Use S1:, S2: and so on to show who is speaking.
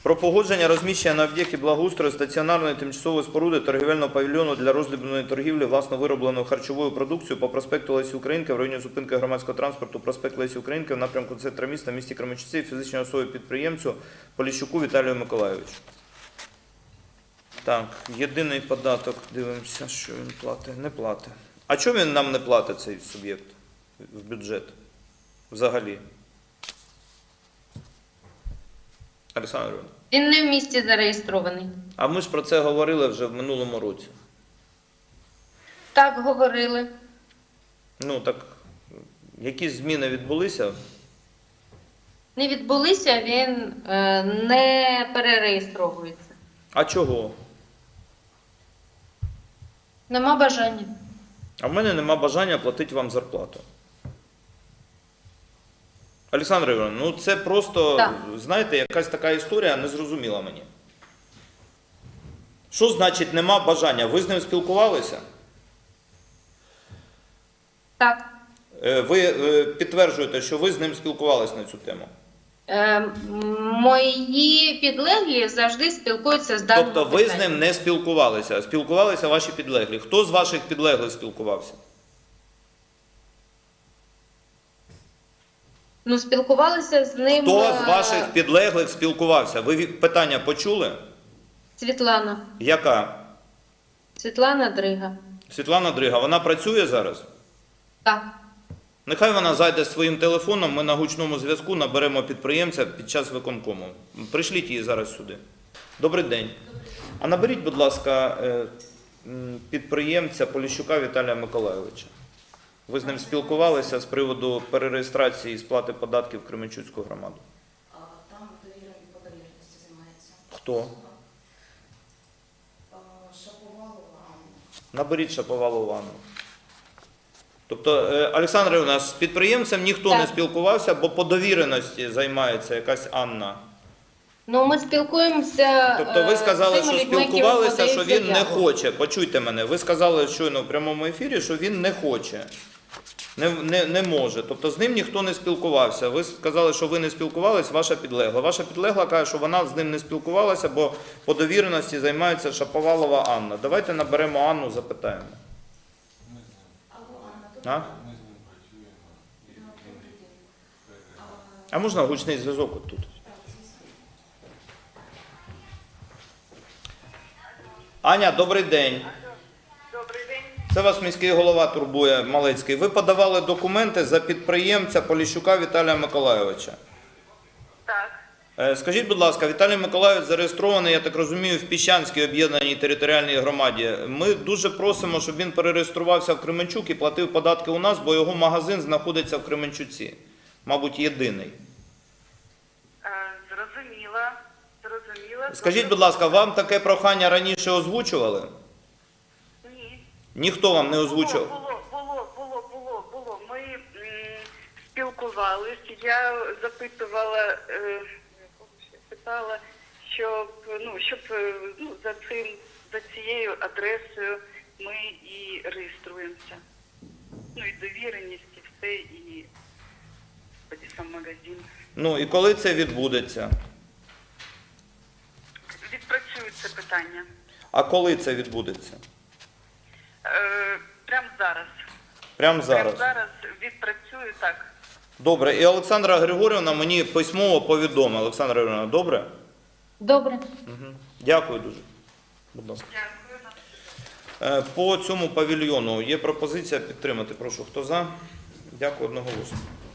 S1: Про погодження розміщення на об'єкті благоустрою стаціонарної тимчасової споруди торгівельного павільйону для роздрібної торгівлі власно виробленою харчовою продукцією по проспекту Лесі Українки в районі зупинки громадського транспорту проспект Лесі Українки в напрямку центра міста в місті Кременчуці фізичній особі-підприємцю Поліщуку Віталію Миколайовичу. Так, єдиний податок, дивимося, що він платить. Не платить. А чому він нам не платить, цей суб'єкт, в бюджет? Взагалі? Олександр Іванович.
S2: Він не в місті зареєстрований.
S1: А ми ж про це говорили вже в минулому році.
S2: Так, говорили.
S1: Ну, так, якісь зміни відбулися?
S2: Не відбулися, він не перереєстровується.
S1: А чого?
S2: Нема бажання.
S1: А в мене нема бажання платити вам зарплату. Олександр Іванович, ну це просто,
S2: так,
S1: знаєте, якась така історія незрозуміла мені. Що значить нема бажання? Ви з ним спілкувалися?
S2: Так.
S1: Ви підтверджуєте, що ви з ним спілкувалися на цю тему?
S2: Мої підлеглі завжди спілкуються з даним
S1: Тобто ви з ним не спілкувалися, а спілкувалися ваші підлеглі. Хто з ваших підлеглих спілкувався?
S2: Ну, спілкувалися з ним...
S1: Хто з ваших підлеглих спілкувався? Ви питання почули?
S2: Світлана.
S1: Яка?
S2: Світлана Дрига.
S1: Світлана Дрига. Вона працює зараз?
S2: Так.
S1: Нехай вона зайде своїм телефоном, ми на гучному зв'язку наберемо підприємця під час виконкому. Пришліть її зараз сюди. Добрий день. А наберіть, будь ласка, підприємця Поліщука Віталія Миколайовича. Ви з ним спілкувалися з приводу перереєстрації і сплати податків в Кременчуцьку громаду?
S3: Там довірою по довіреності займається.
S1: Хто?
S3: Шаповалова Анна.
S1: Наберіть Шаповалову Анну. Тобто, Олександр Іванович, з підприємцем ніхто не спілкувався, бо по довіреності займається якась Анна.
S2: Ну, ми спілкуємося...
S1: Тобто ви сказали, що спілкувалися, що він не
S2: заяву.
S1: хоче. Почуйте мене, ви сказали щойно в прямому ефірі, що він не хоче, не може. Тобто з ним ніхто не спілкувався. Ви сказали, що ви не спілкувалися, ваша підлегла. Ваша підлегла каже, що вона з ним не спілкувалася, бо по довіреності займається Шаповалова Анна. Давайте наберемо Анну, запитаємо. А? А можна гучний зв'язок от тут? Аня, добрий день.
S4: Добрий день.
S1: Це вас міський голова турбує, Малецький. Ви подавали документи за підприємця Поліщука Віталія Миколайовича.
S4: Так.
S1: Скажіть, будь ласка, Віталій Миколайович зареєстрований, я так розумію, в Піщанській об'єднаній територіальній громаді. Ми дуже просимо, щоб він перереєструвався в Кременчук і платив податки у нас, бо його магазин знаходиться в Кременчуці. Мабуть, єдиний.
S4: Зрозуміла.
S1: Скажіть, будь ласка, вам таке прохання раніше озвучували?
S4: Ні.
S1: Ніхто вам не озвучував?
S4: Було. Ми спілкувалися. Я запитувала, питала, щоб за цією адресою ми і реєструємося. Ну і довіреність, і все, і тоді сам магазин.
S1: Ну і коли це відбудеться?
S4: Відпрацюють це питання.
S1: А коли це відбудеться?
S4: Прямо зараз.
S1: Прямо зараз?
S4: Прямо зараз відпрацюю, так.
S1: Добре. І Олександра Григорівна мені письмово повідомила. Олександра Григорівна, добре?
S2: Добре.
S1: Угу. Дякую дуже. Будь ласка.
S4: Дякую.
S1: По цьому павільйону є пропозиція підтримати. Прошу, хто за? Дякую одноголосно.